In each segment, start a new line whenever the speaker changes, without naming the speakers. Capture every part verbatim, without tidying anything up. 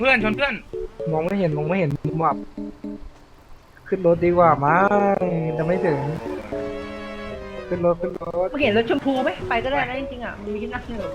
เพื่อนชนเพื่อน
มองไม่เห็นมองไม่เห็นมุมอับขึ้นรถดีกว่ามั้งจะไม่ถึงขึ้นรถขึ้นรถ
มึงเห็นรถชมพูไหมไปก็ได้นะจริงๆอ่ะมันมีที่นั่งอยู่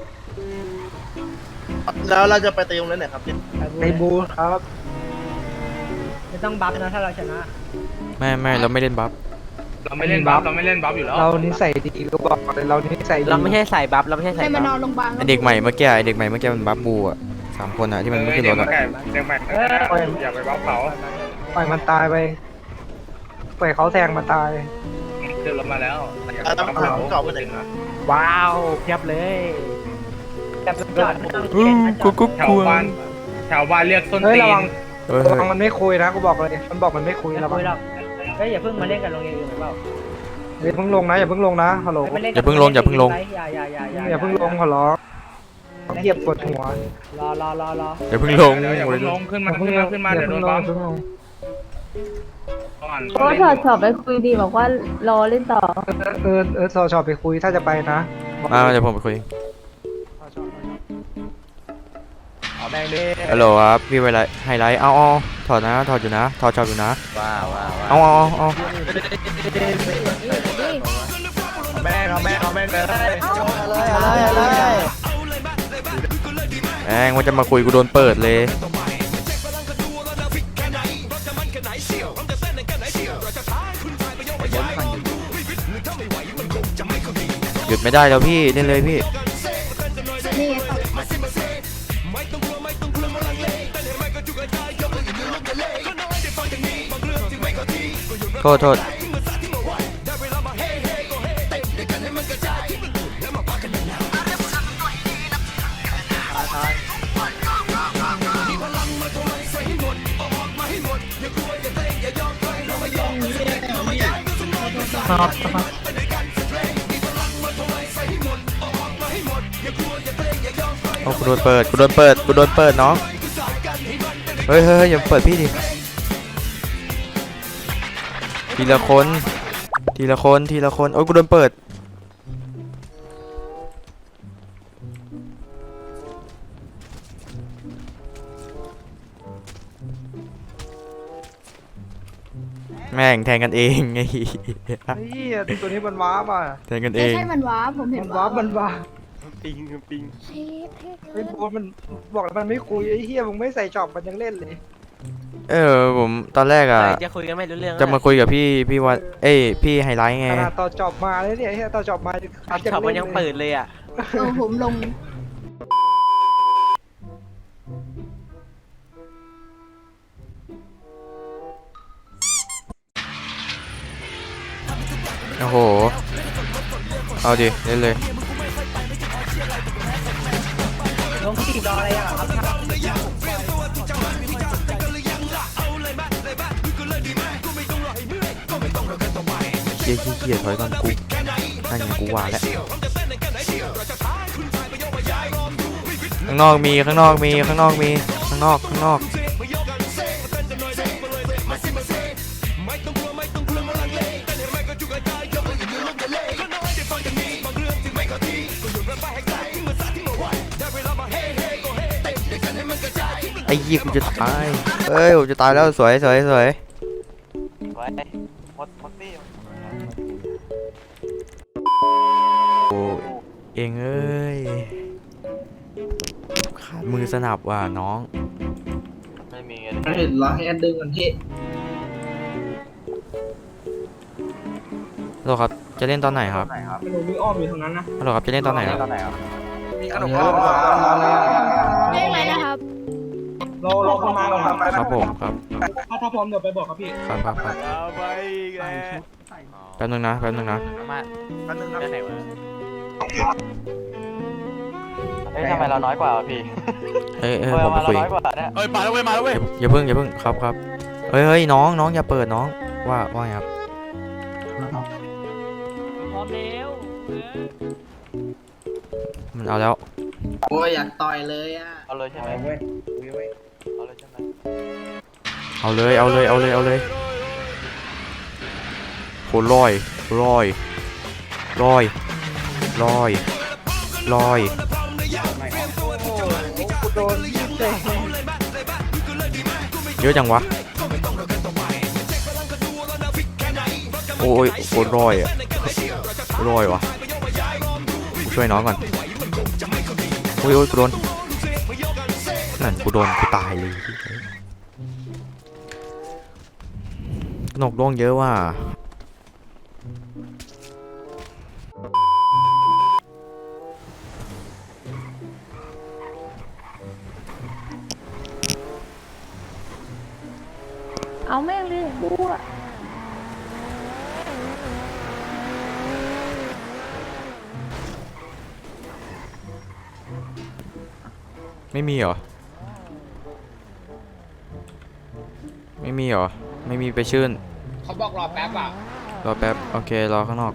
แล้วเราจะไปตีตรงนั้นไหนครับเนี่ย
ในบูครับ
ไม่ต้องบัฟนะถ้าเราชนะ
ไม่ไม่เราไม่เล่นบัฟ
เราไม่เล่นบัฟเราไม่เล่นบัฟอยู่แล้ว
เรานิสัยดีก็บอกเลยเรานิสัยดี
เราไม่ใช่สายบัฟเราไม่ใช่สาย
ให้
บั
มาน
ฟ
อนโรงพยาบาล
ไอเด็กใหม่เมื่อกี้ไอเด็กใหม่เมื่อกี้มันบัฟบูอ่ะสามคนอ่ะที่มันไม่ขึ้นรถ
เด็
อ่ะ
กเด็กใหม่อย่าไปบัฟเขา
ปล่อยมันตายไปปล่อยเขาแทงมาตาย
ขึ้นรถมาแล้ว
อ่ะต้องถามเก่าไปไหนนะ
ว้าวเพียบเลย
แต่จอดไม่ต้อง
อู้
เข็นนะจ
กุ๊
อก ด
กุ๊ก
แถว
กว
บ้านแถวบ้านเรียกส้น
เฮ้ย
ตี
ระวัง
น
เฮ้ย
ระวังมันไม่คุยนะกูบอกเลยมันบอกมันไม่คุย
ไม่
ระวั
คุ
ง
ยหรอกเฮ้ยอย่าเพิ่งมาเล่นกับโรงเรียนอื่นหรือเปล่า
อย่าเพิ่งลงนะอย่าเพิ่งลงนะฮัลโหล
ไม่เล่น
อย่าเพิ่งลงอย่าเพิ่งลง
อย่าอย่าอย่าอย่า
อย่าเพิ่งลงขอร้องเหยียบปวดหัว
รอรอรอรอ
อย่าเพิ่งลง
อย่าเพิ่งลงขึ้นมาขึ้นมาขึ้นมา
อย่
เดี๋ยวโด
เพิ่ง
น
ล
บั
ง
ฟ
เพิ่งลง
ก่อน
โอ้ถอดสอบไปคุยดีบอกว่ารอเล่นต่อ
เออเออสอชอบไปคุยถ้าจะไปนะ
อ่าเดี๋ยวผมไปคุย
เอาแบงค์ดิ
ฮัลโหลครับพี่ไวไลไฮไลท์เอาเอาถอดนะถอดอยู่นะถอดชอบอยู่นะ
ว้าวว้าว
เอาเอาเอา
แม่เอาแม่เอาแม่เลย
อะไรอะไร
แองว่าจะมาคุยกูโดนเปิดเลยหยุดไม่ได้แล้วพี่เล่นเลยพี่
นี่
โทษโทษโอ้กูโดนเปิดกูโดนเปิดกูโดนเปิดน้องเฮ้ยเฮ้ยอย่าเปิดพี่ดิทีละคนทีละคนทีละคนโอ้ยกูโดนเปิดแม่งแทงกันเองไง
เฮ้ยตัวนี้มันว้าป่ะ
แทงกันเอ
ไม่
ง
ใช่มันว้าผมเห็
มัน นว้ามันว้า
ปิงปิง
เชฟเทพ
ไอ้โบ๊ทมันบอกแล้วมันไม่คุยไอ้เหี้ยมึงไม่ใส่จอบมันยังเล่นเลย
เออผมตอนแรกอ่ะ
จะคุยกันไม่รู้เรื่อง
จะมาคุยกับพี่พี่วัดเอ้ยพี่ไฮไลท์ไง
ขนาดต่อจอบมาเลยเนี่ยไอ้เหี้ยต่อจอบมา
ชอบมันยังเปิดเลยอ่ะ
เออผมลง
โอ้โหเอาดิเล่นเลย
ลงสี่รออะไรอ่ะครับ
เกียร์เกียร์ถอยก่อนกูนั่นไงกูว่าแล้วข้างนอกมีข้างนอกมีข้างนอกมีข้างนอกข้างนอกไอ้ยี่กูจะตายเอ้ยกูจะตายแล้วสวยสวยสวย
ไว้หมดหมดตี้
โอ้เองเอ้ยขาดมือสนับว่ะน้อง
ไม่มี
เห็นแล้วให้อันดึงกันที่
ฮัลโหลครับจะเล่นตอนไหนครับ
หนูมีอ้อมอยู่ตรงนั้นนะ
ฮัลโหลครับจะเล่นตอนไหนครับ
มีขนมอ้อมมาเลย
เรียกอะไรนะครับ
รอรอคนมาก่อนครับ
ครับผมครับ
ถ้าถ้าพร้อมเดี๋ยวไปบอกครับพี่
ครับครับครับ
เอาไปไง
แป๊บนึงนะแป๊บนึงนะ
มา
อันนึงนะ
ได้ไหนวะเฮ้ยทำไมเราน้อยกว่าพี่
เอ้ยเอ้ยผมไปคุย
น้อยกว่าเนี่ยเฮ้ยมาแล้วเว้ยมาแล้วเว้ย
อย่าเพิ่งอย่าเพิ่งครับครับเฮ้ยเฮ้ยน้องน้องอย่าเปิดน้องว่าว่าไงครับ
พร้อมแล้ว
มันเอาแล้ว
โอ้ยอยากต่อยเลยอ่ะ
เอาเลยใช่ไหม
เว้ย
เอาเลยใช่ไหม
เอาเลยเอาเลยเอาเลยเอาเลยโหลอยลอยลอยลอยลอย
กูโดนยิงเตะ
เยอะจังวะโอ้ยโคตรร้อยอะร้อยวะกูช่วยน้องก่อนโอ้ยโอ้ยกูโดนนั่นกูโดนกูตายเลยนกร่วงเยอะว่ะ
เอาแม่งเลยบัว
ไม่มีเหรอไม่มีเหรอไม่มีไปชื่น
เขาบอกรอแป๊บอ่ะ
รอแป๊บโอเครอข้างนอก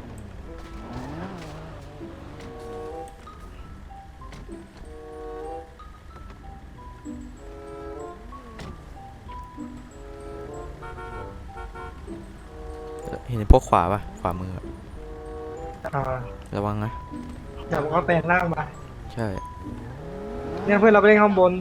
เห็นพวกขวาปะขวามืออะ
อ่า
ระวังนะ
เดี๋ยวผมก็แปลงร่างมา
ใช่
เนี่ยเพื่อนเราไปเล่นข้างบน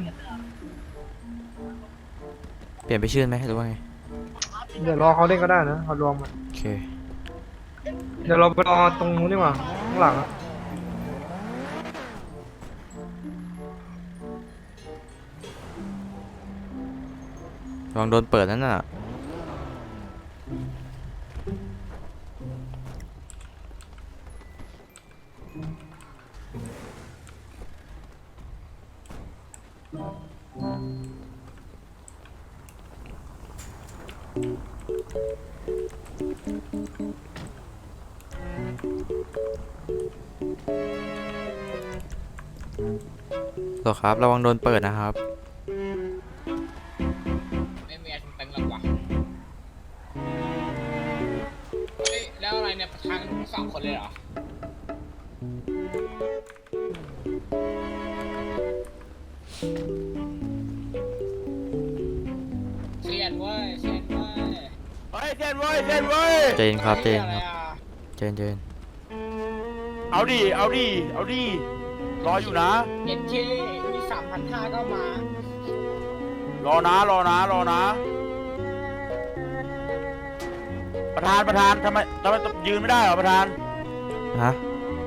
เปลี่ยนไปชื่นไหมหรือว่าไง
เดี๋ยวรอเขาเล่นก็ได้นะเขารวมมา
โอเค
เดี๋ยวเราไปรอตรงนู้นดีกว่าข้างหลังอะ
ระวังโดนเปิดนั่นน่ะต่อครับระวังโดนเปิดนะครับ
ไม่มีอะไรถึงเต็มหรอกวะเฮ้ยแล้วอะไรเนี่ยประธานทั้งสองคนเลยเหรอเซียนเว้ยเซียนเว้ย
เฮ้ยเจนเว้ยเจนเว้ย
เจนครับเจน
อะไร
ครับ
อ่ะ
เจนเจน
เอาดิเอาดิเอาดิรออยู่นะ
เอ็นเคมีสามพันห้าก็มา
รอนะรอนะรอนะ ประธานประธานทำไมทำไมยืนไม่ได้เหรอประธาน
ฮะ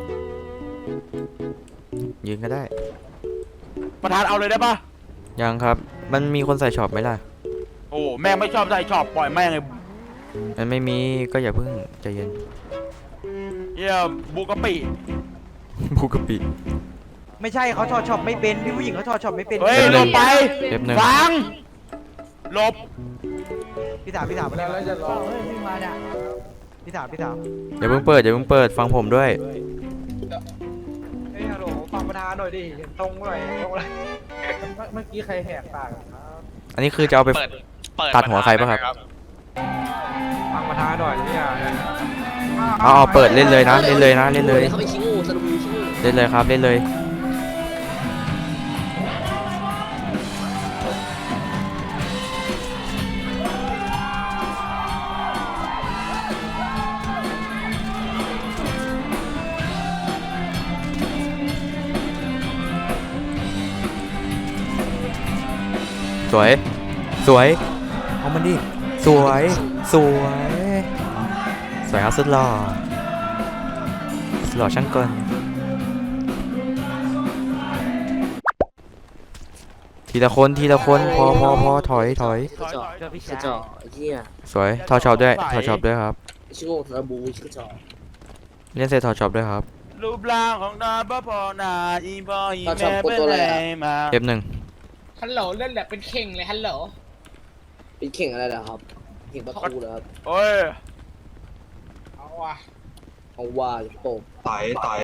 ยืนก็ได้
ประธานเอาเลยได้ปะ
ยังครับมันมีคนใส่ช็อปไหมล่ะ
โอ้แม่งไม่ชอบใส่ชอบปล่อยแม่งเลย
มันไม่มีก็อย่าเพิ่งใจเย็น
เยี่ยบุกกะปิ
บูกะปิ
ไม่ใช่เขาถอดช็อปไม่เป็นพี่ผู้หญิงเขาถอดช็อปไม่เป็น
เฮ้ย
เดี๋ยว
หลบไป
เล็บหนึ่ง
ฟังหลบ
พี่ถามพี่ถามแล้วแล้วจะรอเฮ้ยวิ่งมาเนี่ยพี่ถามพี่ถาม
อย่าเพิ่งเปิดอย่าเพิ่งเปิดฟังผมด้วย
เฮ้ยฮัลโหลฟังประธานหน่อยดิเห็นตรงหน่อยตรงอะไร
เมื่อกี้ใครแหกปาก
อันนี้คือจะเอาไปตัดหัวใครป่ะครับ
ฟังประธานหน่อยเนี่ย
เอาเอาเปิดเล่นเลยนะเล่นเลยนะเล่นเลยเล่นเลยครับเล่นเลยสวยสวยเอามันดิสวยสวยสวยครับสุดหล่อสุดหล่อช่างกลทีละคนทีละคนพอพอพอถอยถอย
ถอยถอย
เจอพี่
กระจ
ชา
อย กไอ้เหี้ย
สวยถอดช็อปด้วยถอดช็อปด้วยครับ
ชิโง่ทาราบูชิกระจอก
เล่นเสร็จถอดช็อปด้วยครับ
รูปร่างของนายบ่พอนาอีบอยอีแม่เป็นไรมา
เอฟหนึ่ง
ฮัลโหลเล่นแบบเป็นเข่งเลยฮัลโหล
เป็นเข่งอะไรนะครับ เข่งประตูเหรอครับ
โอ้ย
เอาว่ะ
เอาว่าจะโต
ต่อยต่อย